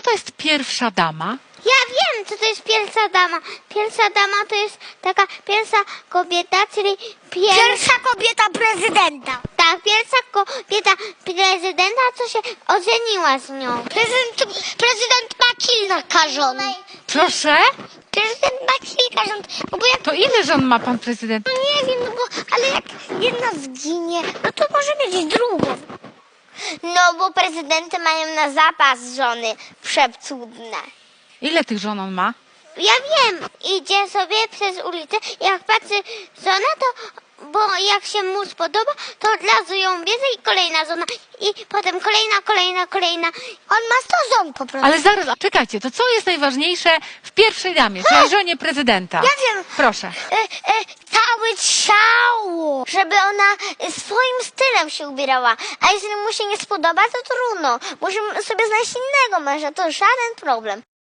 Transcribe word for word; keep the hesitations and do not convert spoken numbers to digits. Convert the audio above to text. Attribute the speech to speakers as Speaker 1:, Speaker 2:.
Speaker 1: to jest pierwsza dama?
Speaker 2: Ja wiem, co to jest pierwsza dama. Pierwsza dama to jest taka pierwsza kobieta, czyli pier...
Speaker 3: Pierwsza kobieta prezydenta.
Speaker 2: Tak, pierwsza kobieta prezydenta, co się ożeniła z nią.
Speaker 3: Prezydent, prezydent ma kilka żon.
Speaker 1: Proszę?
Speaker 3: Prezydent ma kilka żon. No bo jak,
Speaker 1: To ile żon ma pan prezydent?
Speaker 3: no nie wiem, no bo, ale jak jedna zginie, no to może mieć drugą.
Speaker 2: No bo prezydenty mają na zapas żony przecudne.
Speaker 1: Ile tych żon on ma?
Speaker 2: Ja wiem, idzie sobie przez ulicę, jak patrzy żona, to, bo jak się mu spodoba, to od razu ją bierze i kolejna żona. I potem kolejna, kolejna, kolejna.
Speaker 3: On ma sto żon po prostu.
Speaker 1: Ale zaraz, czekajcie, to co jest najważniejsze w pierwszej damie, czyli żonie prezydenta?
Speaker 3: Ja wiem.
Speaker 1: Proszę.
Speaker 3: E, e, całe ciało, żeby ona e, swoim stylem się ubierała. A jeśli mu się nie spodoba, to trudno. Musimy sobie znaleźć innego męża, to żaden problem.